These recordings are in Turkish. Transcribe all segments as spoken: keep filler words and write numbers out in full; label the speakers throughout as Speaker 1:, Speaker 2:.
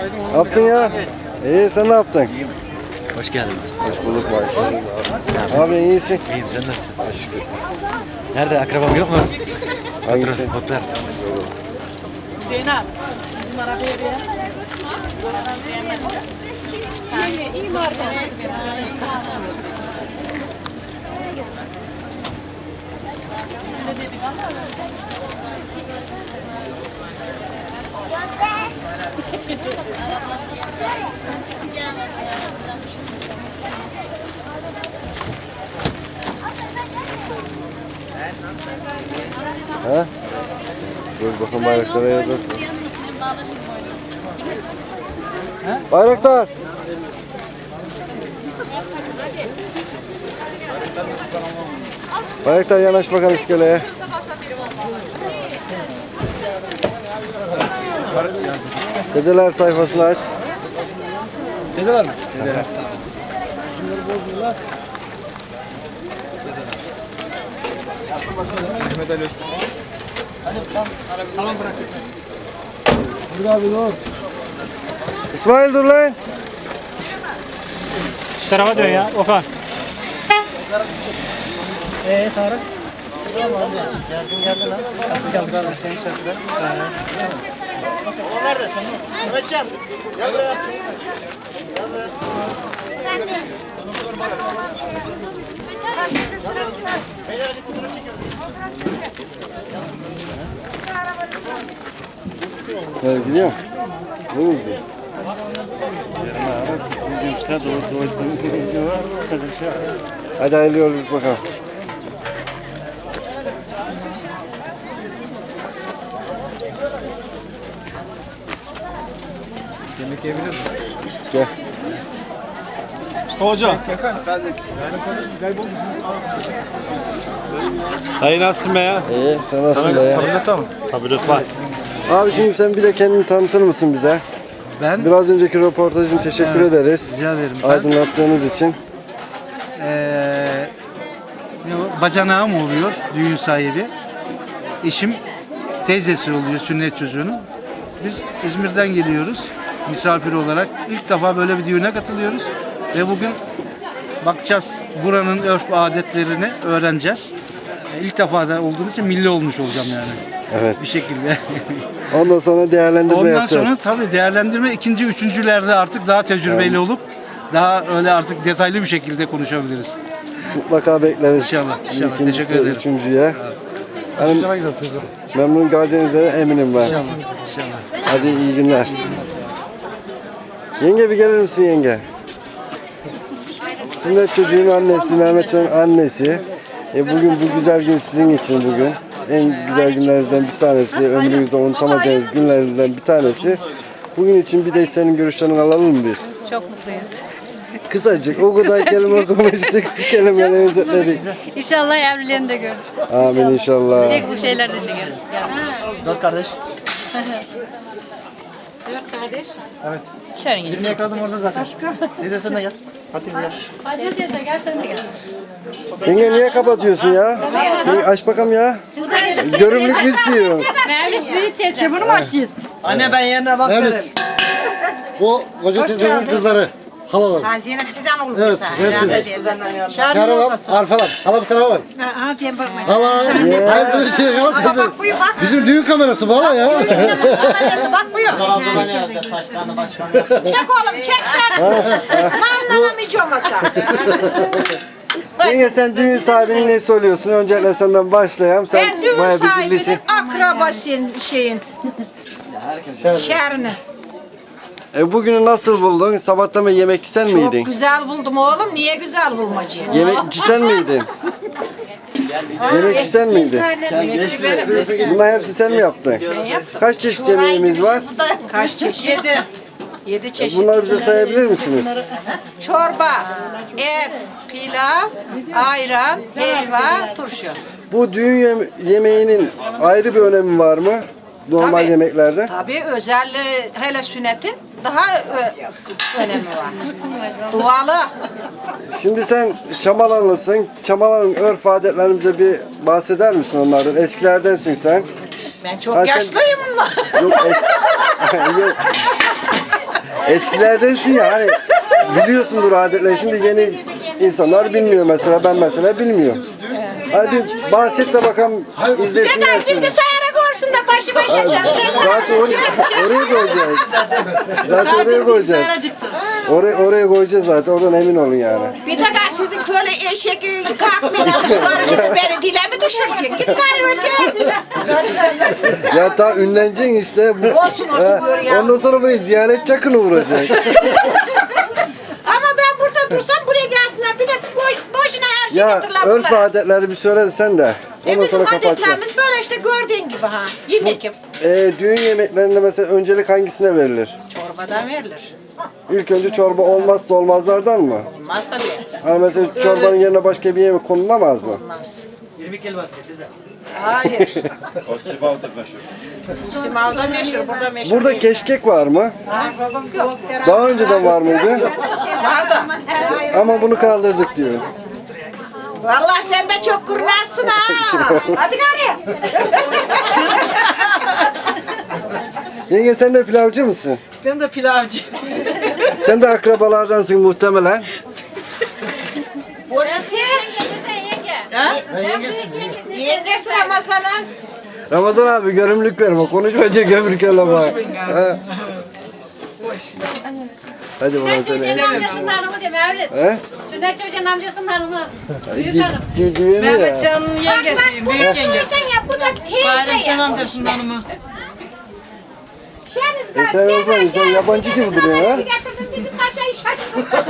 Speaker 1: Ne yaptın ya? İyi, sen ne yaptın?
Speaker 2: İyiyim. Hoş geldin.
Speaker 1: Hoş bulduk Bayşe. Abi iyisin.
Speaker 2: İyiyim, sen nasılsın? Nerede, akrabam yok mu?
Speaker 1: Hangisi?
Speaker 2: Muhtar.
Speaker 3: Zeynep, bizim arabaya bir İyi, iyi marka.
Speaker 1: Ha? Dur bakalım bayraklara yazar. Bayraktar. Bayraktar yanaş bakalım iskeleye. Dedeler sayfasını aç.
Speaker 2: Dedeler mi?
Speaker 1: Dedeler.
Speaker 2: Şunları bozdular. Mehmet Ali Öztürk. Hadi tamam, tamam bırak. Dur abi dur.
Speaker 1: İsmail dur lan.
Speaker 4: Şu tarafa dön ya Okan. Eee Tarık?
Speaker 2: Geldin geldin lan. Nasıl geldin lan? Senin şarkıda. O nerede? Mehmetcan. Gel buraya. Gel buraya. Sen de. Beyler hadi fotoğraf çekiyoruz.
Speaker 1: Evet, gidiyor mu? Ne oldu? Hadi hayırlı yolculuk bakalım.
Speaker 2: Yemek yiyebilir miyim?
Speaker 1: Gel.
Speaker 2: Usta Hoca.
Speaker 4: Dayı nasılsın be ya?
Speaker 1: İyi, sen nasılsın be ya?
Speaker 4: Tableta mı? Tablet var.
Speaker 1: Abi şimdi sen bir de kendini tanıtır mısın bize?
Speaker 5: Ben
Speaker 1: Biraz önceki röportajın teşekkür
Speaker 5: Evet,
Speaker 1: ederiz.
Speaker 5: rica ederim. Ben
Speaker 1: Aydınlattığınız için.
Speaker 5: eee ne o, bacanağım oluyor, düğün sahibi. Eşim teyzesi oluyor sünnet çocuğunun. Biz İzmir'den geliyoruz misafir olarak. İlk defa böyle bir düğüne katılıyoruz. Ve bugün bakacağız buranın örf ve adetlerini öğreneceğiz. E, İlk defa da olduğumuz için milli olmuş olacağım yani.
Speaker 1: Evet.
Speaker 5: Bir şekilde.
Speaker 1: Ondan sonra değerlendirme
Speaker 5: Ondan
Speaker 1: yapacağız.
Speaker 5: sonra tabii değerlendirme ikinci, üçüncülerde artık daha tecrübeli olup daha öyle artık detaylı bir şekilde konuşabiliriz.
Speaker 1: Mutlaka bekleriz.
Speaker 5: İnşallah, inşallah.
Speaker 1: İkincisi,
Speaker 5: Teşekkür ederim.
Speaker 1: Üçüncüye. Yani memnun kalacağınıza eminim ben.
Speaker 5: İnşallah, inşallah.
Speaker 1: Hadi iyi günler. Yenge bir gelir misin yenge? Sünnet çocuğun annesi, Mehmetcan'ın annesi. E bugün bu güzel gün sizin için bugün. En güzel günlerinizden bir tanesi, ömrünüzde unutamayacağınız günlerinizden bir tanesi. Bugün için bir de senin görüşlerini alalım mı biz?
Speaker 6: Çok mutluyuz.
Speaker 1: Kısacık, o kadar kelime konuştuk, bir kelimeyle özetledik.
Speaker 6: İnşallah evliliğini de görürüz.
Speaker 1: Amin inşallah.
Speaker 6: Çek bu şeyler de çekelim.
Speaker 2: Dört kardeş.
Speaker 6: Dört kardeş.
Speaker 2: Evet.
Speaker 3: Şerin
Speaker 2: Birini yakaladım orada zaten. Teyze sen de gel. Hadi teyze gel.
Speaker 6: Fatma teyze gel sen de gel.
Speaker 1: Yenge niye kapatıyorsun ya? Yenge aç bakalım ya. Görümlük mü istiyor?
Speaker 6: Mevlüt büyük teyze.
Speaker 3: Bunu mu açacağız?
Speaker 2: Anne ben yerine bak derim.
Speaker 7: Bu koca teyzenin kızları. Halalar.
Speaker 3: Ha Zeynep teyzen olur.
Speaker 7: Evet, hepsi. Şerhanam, Arfalam. Hala bir tarafa bak.
Speaker 3: Ha ben bakmayın.
Speaker 7: Hala. Hayır bir şey hala sen de.
Speaker 3: Bak buyur bak.
Speaker 7: Bizim düğün kamerası bu hala ya.
Speaker 3: Kamerası bak buyur. Çek oğlum çek sen. Nanlanamayacağım masa.
Speaker 1: Yenge sen düğün sahibinin nesi oluyorsun? Öncelikle senden başlayalım. Sen
Speaker 3: Ben düğün
Speaker 1: bayağı bir
Speaker 3: sahibinin
Speaker 1: bilirsin.
Speaker 3: akrabasıyım şeyin. Şerini.
Speaker 1: E, bugünü nasıl buldun? Sabahtan beri yemekçi sen
Speaker 3: Çok
Speaker 1: miydin?
Speaker 3: güzel buldum oğlum. Niye güzel bulmacıyım?
Speaker 1: Yemekçi sen miydin? Yemekçi sen miydin?
Speaker 3: Yemekçi benim.
Speaker 1: Bunlar hepsi sen mi yaptın? Kaç çeşit yemeğimiz var?
Speaker 3: Kaç çeşit? Yedi. Yedi çeşit.
Speaker 1: Bunları bize sayabilir misiniz?
Speaker 3: Çorba, et, pilav, ayran, helva, turşu.
Speaker 1: Bu düğün yeme- yemeğinin ayrı bir önemi var mı? Normal
Speaker 3: Tabii.
Speaker 1: yemeklerde.
Speaker 3: Tabii özel hele sünnetin daha ö- önemi var. Dualı.
Speaker 1: Şimdi sen Çamalanlısın. Çamalan'ın örf adetlerini bize bir bahseder misin onlardan? Eskilerdensin sen.
Speaker 3: Ben çok
Speaker 1: Ha, sen-
Speaker 3: yaşlıyım.
Speaker 1: Yok, es- Yok. Eskilerdensin ya hani biliyorsundur adetleri. Şimdi yeni insanlar bilmiyor mesela. Ben mesela bilmiyorum. Hadi bir bahset de bakalım izlesinler
Speaker 3: Neden
Speaker 1: seni.
Speaker 3: bilgisayara görsün de başı başa çalışsın.
Speaker 1: Zaten oraya, oraya koyacağız. Zaten oraya koyacağız. Oraya, oraya koyacağız zaten. Oradan emin olun yani.
Speaker 3: Bir de sizin böyle eşek kalkmayın. Yukarı gidip beni dile mi düşüreceksin? Git gari öte.
Speaker 1: Ya daha ünleneceksin işte. Bu,
Speaker 3: Olsun, olsun,
Speaker 1: Ha,
Speaker 3: buyur ya.
Speaker 1: ondan sonra buraya ziyaret çakını vuracak.
Speaker 3: Ama ben burada dursam buraya gelsinler. Bir de boş, boşuna her şey
Speaker 1: Ya
Speaker 3: getirler
Speaker 1: örf
Speaker 3: bunlara.
Speaker 1: adetleri bir söyle sen de.
Speaker 3: E
Speaker 1: Ondan
Speaker 3: bizim
Speaker 1: sonra kapatacağım.
Speaker 3: adetlerimiz böyle işte gördüğün gibi ha. Yemek yap.
Speaker 1: Ee, düğün yemeklerinde mesela öncelik hangisine verilir?
Speaker 3: Çorbadan verilir.
Speaker 1: İlk önce çorba olmazsa olmazlardan mı?
Speaker 3: Olmaz tabii.
Speaker 1: Hani mesela çorbanın yerine başka bir yemek konulamaz mı?
Speaker 3: Olmaz.
Speaker 2: yirmi kelbası teyze.
Speaker 3: Hayır.
Speaker 8: O Sivav'da meşhur.
Speaker 3: Simav'da meşhur, burada meşhur
Speaker 1: Burada
Speaker 3: değil.
Speaker 1: keşkek var mı?
Speaker 3: Yok.
Speaker 1: Daha önceden var mıydı?
Speaker 3: Var da.
Speaker 1: Ama bunu kaldırdık diyor.
Speaker 3: Vallahi sen de çok kurnazsın ha. Hadi gari.
Speaker 1: Yenge sen de pilavcı mısın?
Speaker 3: Ben de pilavcı.
Speaker 1: Sen de akrabalardansın muhtemelen.
Speaker 3: Burası yengesi Ramazan'ın.
Speaker 1: Ramazan abi görümlük verme. Konuşmayınca gömürken bak. Ha. Hadi bana
Speaker 6: Sünnet çocuğun
Speaker 1: söyle.
Speaker 6: amcasının hanımı diyor Mevlüt.
Speaker 1: He?
Speaker 6: Sünnet çocuğun amcasının hanımı. Büyük
Speaker 1: Dü-
Speaker 6: hanım.
Speaker 1: dü- Düğünü ya.
Speaker 9: Mehmetcan'ın yengesiyim, büyük yengesi.
Speaker 3: Sen ya bu da
Speaker 9: Bayram
Speaker 3: teyze
Speaker 9: Şen
Speaker 3: ya.
Speaker 9: amcasının hanımı.
Speaker 3: Şeniz
Speaker 1: E
Speaker 3: var.
Speaker 1: sen
Speaker 3: gel,
Speaker 1: Osman,
Speaker 3: gel,
Speaker 1: sen
Speaker 3: gel.
Speaker 1: yabancı gibi duruyorsun ha?
Speaker 3: Getirdin bizim paşayı şaşırdın.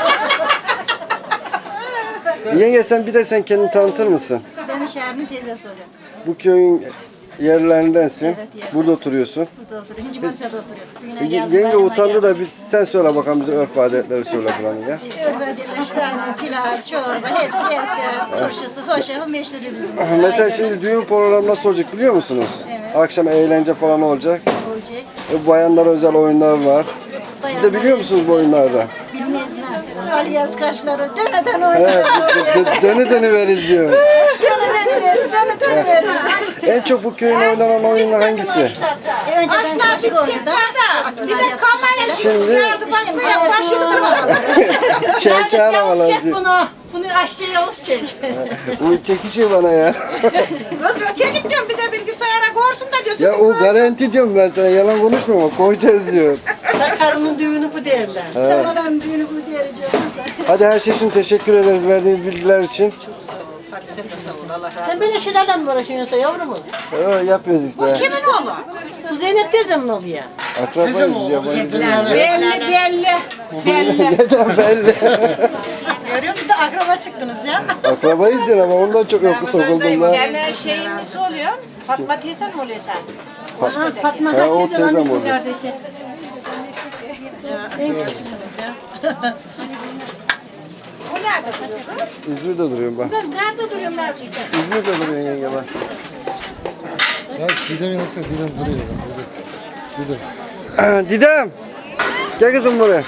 Speaker 1: Yenge sen bir de sen kendini tanıtır mısın?
Speaker 10: Ben Şermin teyzesi oluyorum.
Speaker 1: Bu köyün yerlerindensin.
Speaker 10: Evet, yerler.
Speaker 1: Burada oturuyorsun.
Speaker 10: Burada oturuyorum. Hinci Manisa'da oturuyorum. Bugüne
Speaker 1: E,
Speaker 10: geldim.
Speaker 1: yenge
Speaker 10: bayrama
Speaker 1: utandı
Speaker 10: geldim.
Speaker 1: da biz sen söyle bakalım bize örf adetleri söyle falan ya.
Speaker 10: Örfediler işte hani pilav, çorba, hepsi et, turşusu, hoşafı meşhur bizim. burada.
Speaker 1: Mesela
Speaker 10: Aynen.
Speaker 1: şimdi düğün programı nasıl olacak biliyor musunuz?
Speaker 10: Evet.
Speaker 1: Akşam eğlence falan olacak.
Speaker 10: Olacak.
Speaker 1: E, bayanlara özel oyunlar var. Siz de biliyor musunuz bu oyunlarda?
Speaker 10: Bilmez mi? Alyaz kaşları döneden
Speaker 1: He,
Speaker 10: oynar.
Speaker 1: dö- dö- dönü dönü veririz diyor.
Speaker 10: Döneden veririz, dönü dönü veririz.
Speaker 1: En çok bu köyün oynanan oyunu hangisi?
Speaker 10: E, önceden çocuk oyunu da.
Speaker 3: Bir de kamera
Speaker 1: Şimdi
Speaker 3: çıkardı baksana ya başladı.
Speaker 1: şeker havalar diyor.
Speaker 10: bunu. Bunu aşçıya Yavuz çek.
Speaker 1: Bu çekişiyor bana ya.
Speaker 3: Kız öteye gittim bir de bilgisayara görsün de gözünü
Speaker 1: Ya o garanti diyorum ben sana yalan konuşmuyorum ama koyacağız diyor.
Speaker 10: Sakarının düğünü bu derler. Çamaran düğünü bu diyeceğiz.
Speaker 1: Hadi her şey için teşekkür ederiz verdiğiniz bilgiler için.
Speaker 3: Çok sağ ol. Hadi sen de sağ ol. Allah razı olsun.
Speaker 10: Sen böyle şeylerden mi uğraşıyorsun yavrumuz?
Speaker 1: Ee, yapıyoruz işte.
Speaker 3: Kimin oğlu?
Speaker 10: Bu Zeynep teyzemin oluyor.
Speaker 1: Akrabayız yabancı değil.
Speaker 3: Belli belli. Belli.
Speaker 1: Neden belli?
Speaker 3: Görüyor musun da akraba çıktınız ya.
Speaker 1: Akrabayız ya ama ondan çok yoku sokulduğunda.
Speaker 3: Sen şeyin nesi oluyor? Fatma teyzen mi oluyor sen?
Speaker 10: Fatma
Speaker 1: Ha, o
Speaker 10: teyzem
Speaker 1: teyzem
Speaker 10: annesinin
Speaker 1: oldu.
Speaker 10: kardeşi.
Speaker 3: O nerede duruyordu?
Speaker 1: İzmir'de duruyorum ben.
Speaker 3: Ben nerede duruyorum gerçekten?
Speaker 1: İzmir'de duruyorsun yenge ben.
Speaker 7: Ya Didem'in nasıl Didem duruyor. Didem.
Speaker 1: Didem. Gel kızım buraya.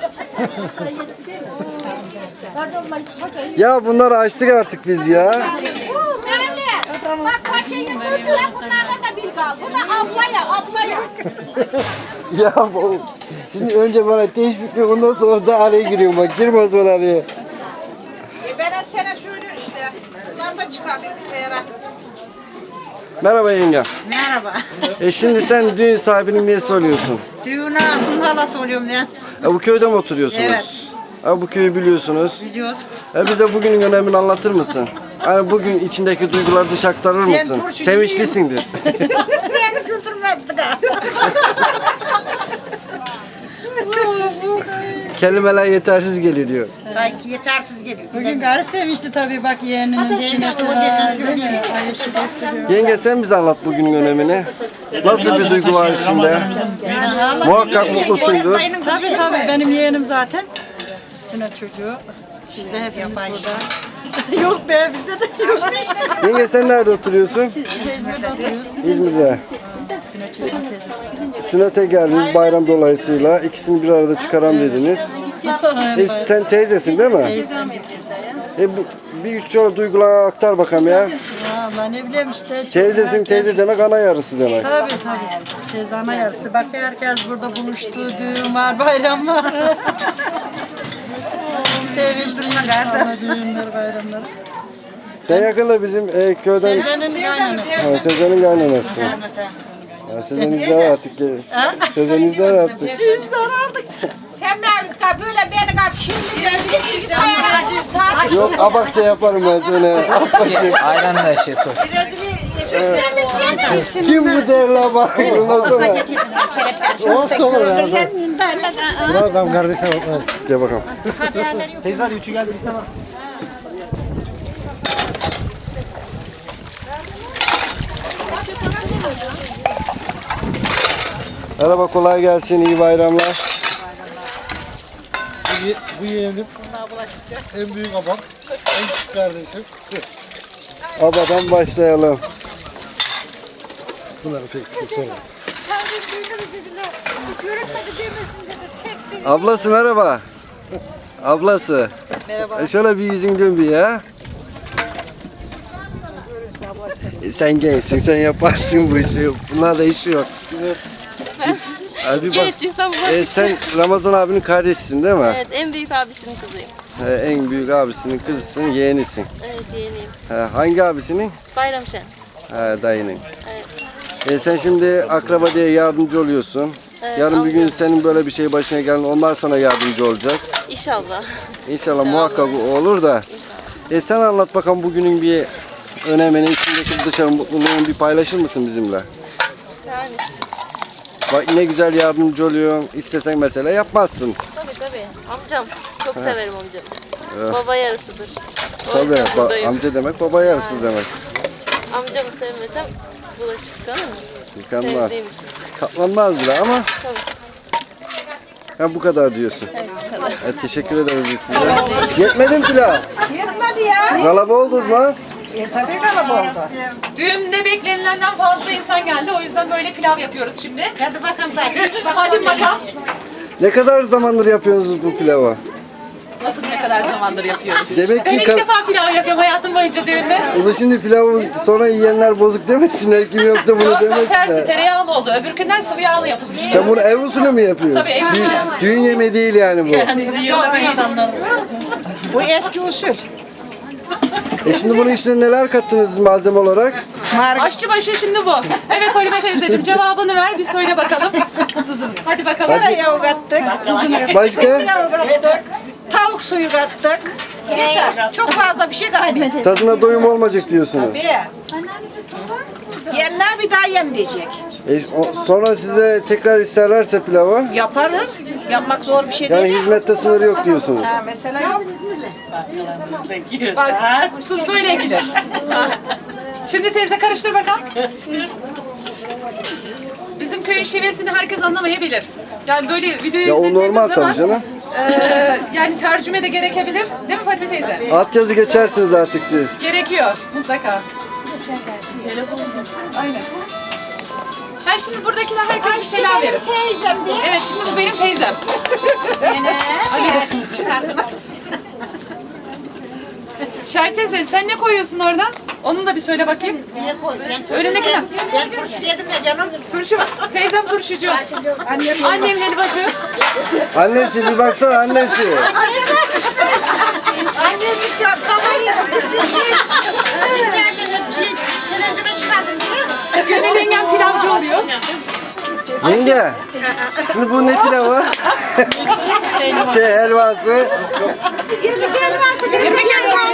Speaker 1: Ya bunları açtık artık biz ya.
Speaker 3: Bu Mevle. Bak paçayı kurdular bunlardan da bilgi al. Bu da ablaya ablaya.
Speaker 1: Ya bu. Şimdi önce bana teşvikle ondan sonra da araya giriyorum bak. Girmez bana araya.
Speaker 3: E ben sana söylüyorum işte. Bunlar da çıkar bilgisayara.
Speaker 1: Merhaba yenge.
Speaker 9: Merhaba.
Speaker 1: E şimdi sen düğün sahibinin niyesi oluyorsun.
Speaker 9: Düğün ağasının halası oluyorum ben.
Speaker 1: E bu köyde mi oturuyorsunuz?
Speaker 9: Evet.
Speaker 1: E bu köyü biliyorsunuz.
Speaker 9: Biliyoruz.
Speaker 1: E bize bugünün önemini anlatır mısın? Hani bugün içindeki duyguları dışa aktarır mısın?
Speaker 9: turşucuyum.
Speaker 1: Sevinçlisindir.
Speaker 3: Beni güldürmedi galiba.
Speaker 1: Kelimeler yetersiz geliyor diyor.
Speaker 3: Belki yetersiz geliyor.
Speaker 9: Bugün gari sevinçli tabii bak yeğeninin zeyneti var. Ayşe gösteriyor.
Speaker 1: Yenge sen bize anlat bugünün önemini. Nasıl bir duygu var içinde? Muhakkak mutlusundur.
Speaker 9: Tabii tabii benim yeğenim zaten. Sünnet çocuğu. Biz de hepimiz burada. Yok be bizde de yokmuş.
Speaker 1: Yenge sen nerede oturuyorsun?
Speaker 9: Biz de İzmir'de oturuyoruz.
Speaker 1: İzmir'de.
Speaker 9: Sünnet çocuğun teyzesi.
Speaker 1: Sünnete geldiniz bayram dolayısıyla. İkisini bir arada çıkaram dediniz. E, sen teyzesin değil mi?
Speaker 9: Teyzem bir teyze ya.
Speaker 1: E, bu, bir üç şöyle duyguları aktar bakalım ya.
Speaker 9: Ya vallahi ne bileyim işte. çok
Speaker 1: Teyzesin
Speaker 9: herkes-
Speaker 1: teyze demek ana yarısı demek.
Speaker 9: Tabii tabii. Teyze ana yarısı. Bak herkes burada buluştu. Düğün var, bayram var. Sevinçli insanlar, düğünler, bayramlar.
Speaker 1: Sen yakında bizim e, köyden
Speaker 9: Sezen'in kaynanası.
Speaker 1: ha, Sezen'in kaynanası. Ya Sezen izler artık. Sezen izler artık.
Speaker 9: İzler artık.
Speaker 3: Sen Mevlüt ka böyle beni kat şimdi rezil bilgisayara saat
Speaker 1: Yok abakça yaparım ben sana. Apaçık.
Speaker 2: Ayran da şey tut.
Speaker 1: Kim bu derli abak? Ondan sonra.
Speaker 7: Olsun olur ya. Bravo ben kardeşine bakma.
Speaker 1: Gel bakalım.
Speaker 2: Teyze hadi üçü geldi bir sana.
Speaker 1: Merhaba kolay gelsin. İyi bayramlar.
Speaker 7: Bu, ye- bu yeğenim en büyük babam. En küçük kardeşim.
Speaker 1: Abadan başlayalım.
Speaker 7: Bunları pek çok sorma.
Speaker 1: Ablası merhaba. Ablası. Merhaba. E şöyle bir yüzün dön bir ya. E sen gençsin, sen yaparsın bu işi. Bunlarla işi yok. Hadi bak.
Speaker 6: Gençciysem
Speaker 1: E, sen Ramazan abinin kardeşisin değil mi?
Speaker 6: Evet, en büyük abisinin kızıyım.
Speaker 1: E, en büyük abisinin kızısın, yeğenisin.
Speaker 6: Evet, yeğeniyim.
Speaker 1: E, hangi abisinin?
Speaker 6: Bayramşen.
Speaker 1: E, dayının.
Speaker 6: Evet.
Speaker 1: E, sen şimdi akraba diye yardımcı oluyorsun.
Speaker 6: Evet,
Speaker 1: Yarın bir gün
Speaker 6: amcam.
Speaker 1: senin böyle bir şey başına gelin, onlar sana yardımcı olacak.
Speaker 6: İnşallah.
Speaker 1: İnşallah,
Speaker 6: İnşallah.
Speaker 1: muhakkak olur da.
Speaker 6: İnşallah.
Speaker 1: E sen anlat bakalım bugünün bir önemini, içindeki dışarı mutluluğunu bir paylaşır mısın bizimle?
Speaker 6: Yani
Speaker 1: Bak ne güzel yardımcı oluyorsun. İstesen mesela yapmazsın.
Speaker 6: tabii tabii. Amcam. Çok severim amcamı.
Speaker 1: Evet.
Speaker 6: Baba yarısıdır. O
Speaker 1: Tabii
Speaker 6: yüzden
Speaker 1: ba-
Speaker 6: buradayım.
Speaker 1: amca demek baba yarısı demek.
Speaker 6: Amcamı sevmesem bulaşık yıkanır mı?
Speaker 1: Yıkanmaz.
Speaker 6: Sevdiğim için.
Speaker 1: Katlanmaz bile ama
Speaker 6: Tabii.
Speaker 1: ha, bu kadar diyorsun.
Speaker 6: Evet, bu kadar.
Speaker 1: E, teşekkür ederiz biz size. Yetmedi mi pilav?
Speaker 3: yetmedi ya.
Speaker 1: Galaba oldunuz mu?
Speaker 3: E tabii kalıp oldu.
Speaker 8: Düğünde beklenilenden fazla insan geldi. O yüzden böyle pilav yapıyoruz şimdi.
Speaker 10: Hadi bakalım bak.
Speaker 8: Hadi bakalım.
Speaker 1: Ne kadar zamandır yapıyorsunuz bu pilavı?
Speaker 8: Nasıl ne kadar zamandır yapıyoruz?
Speaker 1: Demek
Speaker 8: Ben
Speaker 1: ki
Speaker 8: ilk
Speaker 1: ka-
Speaker 8: defa pilav yapıyorum hayatım boyunca düğünde.
Speaker 1: Ulan şimdi pilavı sonra yiyenler bozuk demesinler. Kim yaptı bunu
Speaker 8: Yok, tam tersi
Speaker 1: demesinler.
Speaker 8: tereyağlı oldu. Öbür günler sıvı yağlı yapılmış.
Speaker 1: Sen bunu ev usulü mü yapıyorsun?
Speaker 8: Tabii, ev usulü.
Speaker 1: Düğün, düğün yemeği değil yani bu.
Speaker 8: Yok değil.
Speaker 3: Bu eski usul.
Speaker 1: E şimdi bunun içine neler kattınız malzeme olarak?
Speaker 8: Aşçıbaşı şimdi bu. Evet Halime teyzeciğim cevabını ver bir söyle bakalım. Hadi bakalım.
Speaker 3: Tereyağı kattık.
Speaker 1: Başka?
Speaker 3: Pilav kattık. Tavuk suyu kattık. Yeter. Çok fazla bir şey katmadık.
Speaker 1: Tadına doyum olmayacak diyorsunuz.
Speaker 3: Bir. Yenler bir daha yem diyecek.
Speaker 1: E, o- sonra size tekrar isterlerse pilavı,
Speaker 3: Yaparız. Yapmak zor bir şey
Speaker 1: yani
Speaker 3: değil.
Speaker 1: hizmette sınır yok diyorsunuz.
Speaker 3: Ha, mesela yok.
Speaker 8: Bak tuz böyle ekilir. Şimdi teyze karıştır bakalım. Bizim köyün şivesini herkes anlamayabilir. Yani böyle videoyu
Speaker 1: Ya o
Speaker 8: izlediğimiz
Speaker 1: normal
Speaker 8: zaman
Speaker 1: tabii canım.
Speaker 8: eee, yani tercüme de gerekebilir. Değil mi Fatime teyze?
Speaker 1: Alt yazı geçersiniz artık siz.
Speaker 8: Gerekiyor mutlaka. Aynen. Ha şimdi buradakiler herkes bir selam verir.
Speaker 10: Teyzem diye.
Speaker 8: Evet şimdi bu benim teyzem. Şer teyze sen ne koyuyorsun orada? Onu da bir söyle bakayım. Önündeki ne?
Speaker 10: Ben turşu yedim ya canım.
Speaker 8: Turşu. Teyzem turşucu. Annem helvacı.
Speaker 1: Annesi bir baksana annesi.
Speaker 10: Annesi diyor kamerayı tutuyor. Kendini televizyona çıkardım diyor.
Speaker 8: Gönül yengem pilavcı oluyor.
Speaker 1: Yenge. Şimdi bu ne pilavı? şey helvası.
Speaker 10: Yemek elması yemek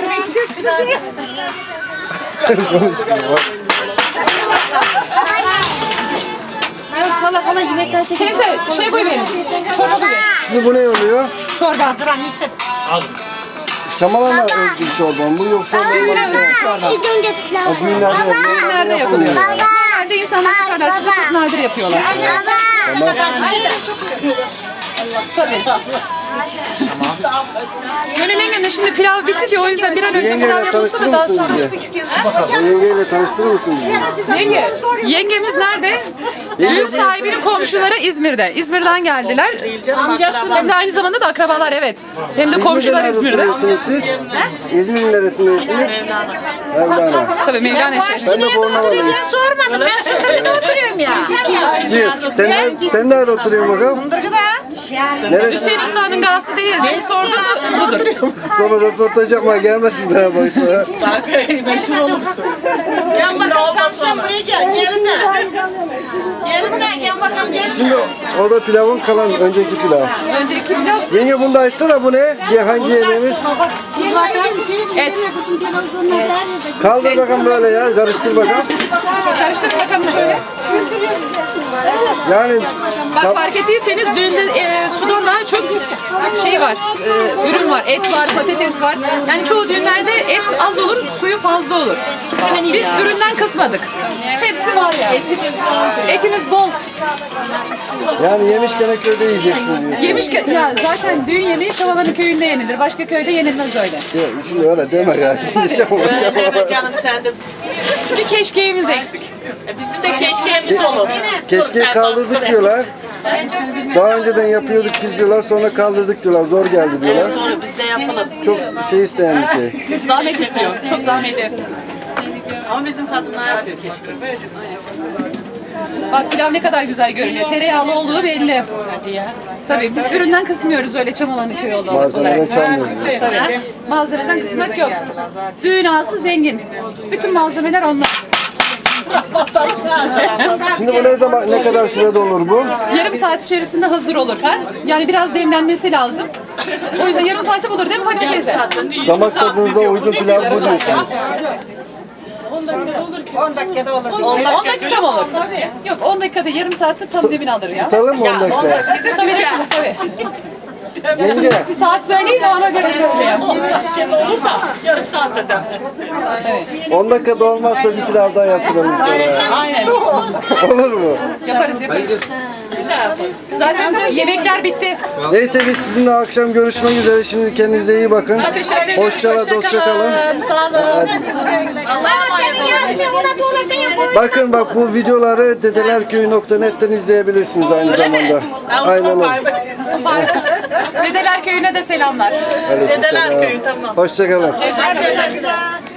Speaker 1: Konuşmuyor bak.
Speaker 6: Hala hala yemekten çekin.
Speaker 8: Teyze şey koy benim. Çorba koy.
Speaker 1: Şimdi bu ne oluyor?
Speaker 8: Çorba.
Speaker 1: Çamalama özgü çorban bu yoksa normal çorba.
Speaker 10: İlk önce pilav.
Speaker 1: O düğünlerde
Speaker 8: Nerede yapılıyor? Nerede insanlar yaparlar. Çok nadir yapıyorlar.
Speaker 10: Baba.
Speaker 1: Tamam.
Speaker 8: Tabii. Gönül yengemle şimdi pilav bitti diyor. O yüzden bir an önce pilav
Speaker 1: Yengeyle
Speaker 8: yapılsa
Speaker 1: tanıştırır
Speaker 8: da daha
Speaker 1: mısın
Speaker 8: sağlıklı.
Speaker 1: bizi? O yengeyle tanıştırır mısın bizi?
Speaker 8: Yenge. Yengemiz nerede? Düğün sahibinin komşuları İzmir'de. İzmir'den geldiler. Amcası hem de aynı zamanda da akrabalar evet. Hem de komşular
Speaker 1: nerede
Speaker 8: İzmir'de.
Speaker 1: oturuyorsunuz siz? İzmir'in neresindesiniz? Mevlana.
Speaker 8: Tabii Mevlana işte.
Speaker 1: Ben de Bornova'dayım.
Speaker 3: Sormadım ben Sındırgı'da oturuyorum ya.
Speaker 1: Kim? Sen, nerede- sen nerede oturuyorsun bakalım?
Speaker 3: Sındırgı'da.
Speaker 1: Neresi?
Speaker 8: Hüseyin Usta'nın gazete değil. Ben sordum mu? Budur.
Speaker 1: Sonra röportaj yapmaya gelmesinler boyutlara.
Speaker 3: Gel bakalım tam sen buraya gel. Gelin de. Gelin de gel bakalım gel.
Speaker 1: Şimdi o da pilavın kalan önceki pilav.
Speaker 8: Önceki pilav
Speaker 1: Yenge bunu da açsana, bu ne? Ye, hangi yemeğimiz?
Speaker 8: et.
Speaker 1: Kaldır bakalım böyle ya, karıştır bakalım.
Speaker 8: Karıştır bakalım şöyle.
Speaker 1: Yani
Speaker 8: Bak fark ettiyseniz düğünde e, sudan daha çok şey var, e, ürün var, et var, patates var. Yani çoğu düğünlerde et az olur, suyu fazla olur. Biz üründen kısmadık. Hepsi var yani. Etimiz bol.
Speaker 1: yani yemişken köyde yiyeceksin diyorsun.
Speaker 8: Yemiş ki, ya zaten düğün yemeği Çavalan'ın köyünde yenilir. Başka köyde yenilmez öyle.
Speaker 1: Ya, şimdi öyle deme ya. Şimdi çabuk çabuk.
Speaker 2: Canım sen de.
Speaker 8: Bir keşkeğimiz eksik.
Speaker 2: Bizim de keşkeğimiz olur.
Speaker 1: Keşke kaldırdık diyorlar. Daha önceden yapıyorduk biz diyorlar, sonra kaldırdık diyorlar. Zor geldi diyorlar.
Speaker 2: Sonra biz de yapalım.
Speaker 1: Çok şey isteyen bir şey.
Speaker 8: Zahmet istiyor. Çok zahmetli.
Speaker 2: Ama bizim kadınlar yapıyor keşke.
Speaker 8: Bak pilav ne kadar güzel görünüyor. Tereyağlı olduğu belli. Tabii biz üründen kısmıyoruz öyle Çamalan'ın köyü olarak.
Speaker 1: Malzemeden çalmıyoruz.
Speaker 8: Tabii. Malzemeden kısmak yok. Düğün ağası zengin. Bütün malzemeler onlar.
Speaker 1: Şimdi bu ne zaman, ne kadar sürede olur bu?
Speaker 8: Yarım saat içerisinde hazır olur. Yani biraz demlenmesi lazım. O yüzden yarım saati bulur değil mi Fatma teyze?
Speaker 1: Damak tadınıza uygun pilav bu diyorsunuz.
Speaker 3: on dakikada olur.
Speaker 8: on dakika mı olur? Yok on dakikada yarım saatte tam demin alır ya.
Speaker 1: Tutalım mı on dakika?
Speaker 8: Tutabilirsiniz tabii.
Speaker 1: Yenge,
Speaker 8: Bir saat söyleyin de ona göre söyleyeyim.
Speaker 2: Şey olur da yarım saatte de.
Speaker 8: Evet.
Speaker 1: on dakikada olmazsa bir pilav daha yaptıralım sonra.
Speaker 8: Aynen.
Speaker 1: Olur mu?
Speaker 8: Yaparız yaparız. Zaten yemekler bitti.
Speaker 1: Neyse biz sizinle akşam görüşmek üzere. Şimdi kendinize iyi bakın.
Speaker 8: Teşekkür ederim.
Speaker 1: Hoşça kalın, hoşça kalın.
Speaker 8: Sağ olun.
Speaker 3: Allah senin yazmıyor. Ona doğru senin koy.
Speaker 1: Bakın bak, bu videoları dedelerköy nokta net'ten izleyebilirsiniz aynı zamanda. Aynen öyle.
Speaker 8: Dedeler köyüne de selamlar.
Speaker 1: Aleykümselam.
Speaker 2: Dedeler köyü, tamam.
Speaker 1: Hoşça kalın.
Speaker 3: Hadi.